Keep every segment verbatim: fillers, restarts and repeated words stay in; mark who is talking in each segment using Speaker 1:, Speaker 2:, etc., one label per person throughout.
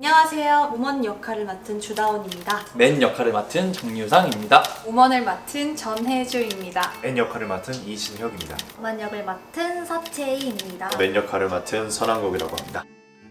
Speaker 1: 안녕하세요. 우먼 역할을 맡은 주다원입니다.
Speaker 2: 맨 역할을 맡은 정유상입니다.
Speaker 3: 우먼을 맡은 전혜주입니다.
Speaker 4: N 역할을 맡은 이신혁입니다.
Speaker 5: 우먼 역을 맡은 서채희입니다.
Speaker 6: 맨 역할을 맡은 선한국이라고 합니다.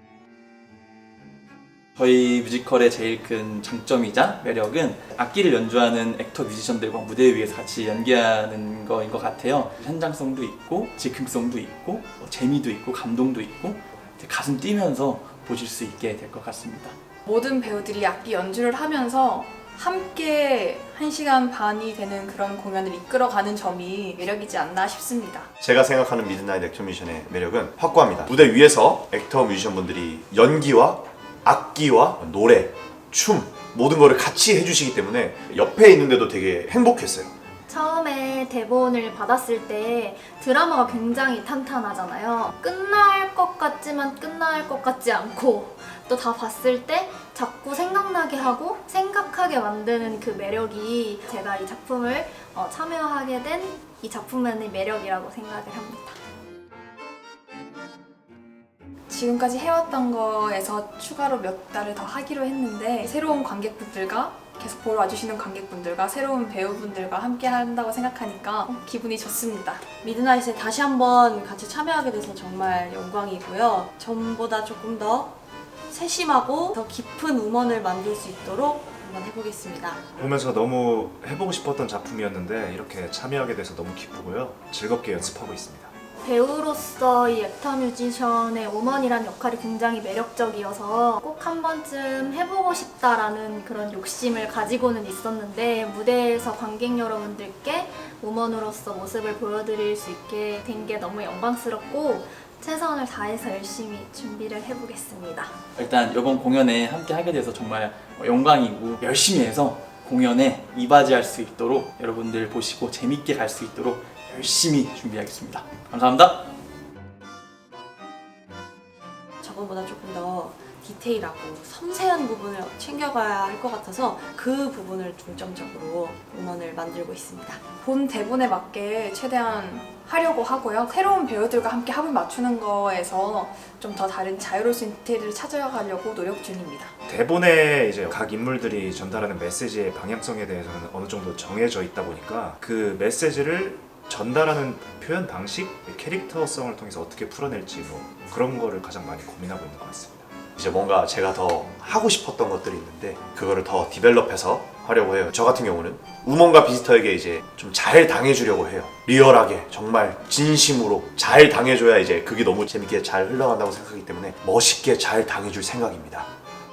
Speaker 2: 저희 뮤지컬의 제일 큰 장점이자 매력은 악기를 연주하는 액터 뮤지션들과 무대 위에서 같이 연기하는 거인 것 같아요. 현장성도 있고 즉흥성도 있고 재미도 있고 감동도 있고 가슴 뛰면서 보실 수 있게 될 것 같습니다.
Speaker 3: 모든 배우들이 악기 연주를 하면서 함께 한 시간 반이 되는 그런 공연을 이끌어가는 점이 매력이지 않나 싶습니다.
Speaker 6: 제가 생각하는 미드나잇 액터 뮤지션의 매력은 확고합니다. 무대 위에서 액터 뮤지션분들이 연기와 악기와 노래, 춤 모든 거를 같이 해주시기 때문에 옆에 있는데도 되게 행복했어요.
Speaker 5: 처음에 대본을 받았을 때 드라마가 굉장히 탄탄하잖아요. 끝날 것 같지만 끝날 것 같지 않고 또 다 봤을 때 자꾸 생각나게 하고 생각하게 만드는 그 매력이 제가 이 작품을 어, 참여하게 된 이 작품만의 매력이라고 생각을 합니다.
Speaker 3: 지금까지 해왔던 거에서 추가로 몇 달을 더 하기로 했는데 새로운 관객분들과 계속 보러 와주시는 관객분들과 새로운 배우분들과 함께 한다고 생각하니까 기분이 좋습니다.
Speaker 1: 미드나잇에 다시 한번 같이 참여하게 돼서 정말 영광이고요. 전보다 조금 더 세심하고 더 깊은 우먼을 만들 수 있도록 한번 해보겠습니다.
Speaker 4: 보면서 너무 해보고 싶었던 작품이었는데 이렇게 참여하게 돼서 너무 기쁘고요. 즐겁게 연습하고 있습니다.
Speaker 5: 배우로서 이 액터 뮤지션의 우먼이란 역할이 굉장히 매력적이어서 꼭 한 번쯤 해보고 싶다라는 그런 욕심을 가지고는 있었는데 무대에서 관객 여러분들께 우먼으로서 모습을 보여드릴 수 있게 된 게 너무 영광스럽고 최선을 다해서 열심히 준비를 해보겠습니다.
Speaker 2: 일단 이번 공연에 함께 하게 돼서 정말 영광이고 열심히 해서 공연에 이바지할 수 있도록 여러분들 보시고 재밌게 갈 수 있도록 열심히 준비하겠습니다. 감사합니다.
Speaker 1: 저번보다 조금 더 디테일하고 섬세한 부분을 챙겨가야 할 것 같아서 그 부분을 중점적으로 우먼을 만들고 있습니다.
Speaker 3: 본 대본에 맞게 최대한 하려고 하고요. 새로운 배우들과 함께 합을 맞추는 거에서 좀 더 다른 자유로울 수 있는 디테일을 찾아가려고 노력 중입니다.
Speaker 4: 대본에 이제 각 인물들이 전달하는 메시지의 방향성에 대해서는 어느 정도 정해져 있다 보니까 그 메시지를 전달하는 표현 방식, 캐릭터성을 통해서 어떻게 풀어낼지 뭐 그런 거를 가장 많이 고민하고 있는 것 같습니다.
Speaker 6: 이제 뭔가 제가 더 하고 싶었던 것들이 있는데 그거를 더 디벨롭해서 하려고 해요. 저 같은 경우는 우먼과 비스터에게 이제 좀 잘 당해주려고 해요. 리얼하게 정말 진심으로 잘 당해줘야 이제 그게 너무 재밌게 잘 흘러간다고 생각하기 때문에 멋있게 잘 당해줄 생각입니다.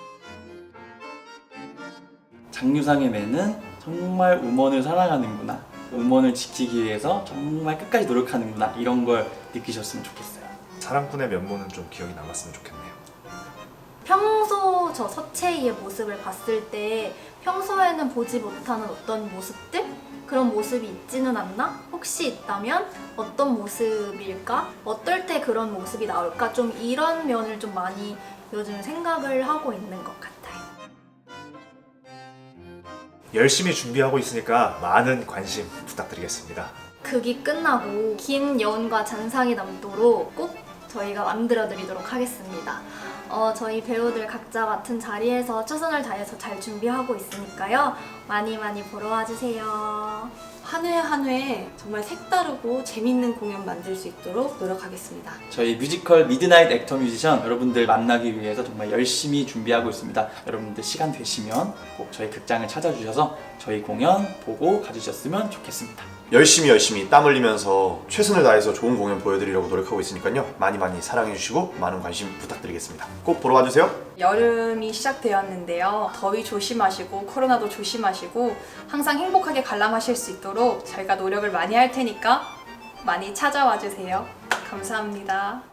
Speaker 2: 장유상의 맨은 정말 우먼을 사랑하는구나, 우먼을 지키기 위해서 정말 끝까지 노력하는구나, 이런 걸 느끼셨으면 좋겠어요.
Speaker 4: 사랑꾼의 면모는 좀 기억이 남았으면 좋겠네요.
Speaker 5: 평소 저 서채희의 모습을 봤을 때 평소에는 보지 못하는 어떤 모습들? 그런 모습이 있지는 않나? 혹시 있다면 어떤 모습일까? 어떨 때 그런 모습이 나올까? 좀 이런 면을 좀 많이 요즘 생각을 하고 있는 것 같아요.
Speaker 4: 열심히 준비하고 있으니까 많은 관심 부탁드리겠습니다.
Speaker 5: 극이 끝나고 긴 여운과 잔상이 남도록 꼭 저희가 만들어 드리도록 하겠습니다. 어, 저희 배우들 각자 맡은 자리에서 최선을 다해서 잘 준비하고 있으니까요. 많이 많이 보러 와주세요.
Speaker 1: 한 회 한 회 정말 색다르고 재밌는 공연 만들 수 있도록 노력하겠습니다.
Speaker 2: 저희 뮤지컬 미드나잇 액터 뮤지션 여러분들 만나기 위해서 정말 열심히 준비하고 있습니다. 여러분들 시간 되시면 꼭 저희 극장을 찾아주셔서 저희 공연 보고 가주셨으면 좋겠습니다.
Speaker 6: 열심히 열심히 땀 흘리면서 최선을 다해서 좋은 공연 보여드리려고 노력하고 있으니까요. 많이 많이 사랑해주시고 많은 관심 부탁드리겠습니다. 꼭 보러 와주세요.
Speaker 3: 여름이 시작되었는데요. 더위 조심하시고 코로나도 조심하시고 항상 행복하게 관람하실 수 있도록 저희가 노력을 많이 할 테니까 많이 찾아와 주세요. 감사합니다.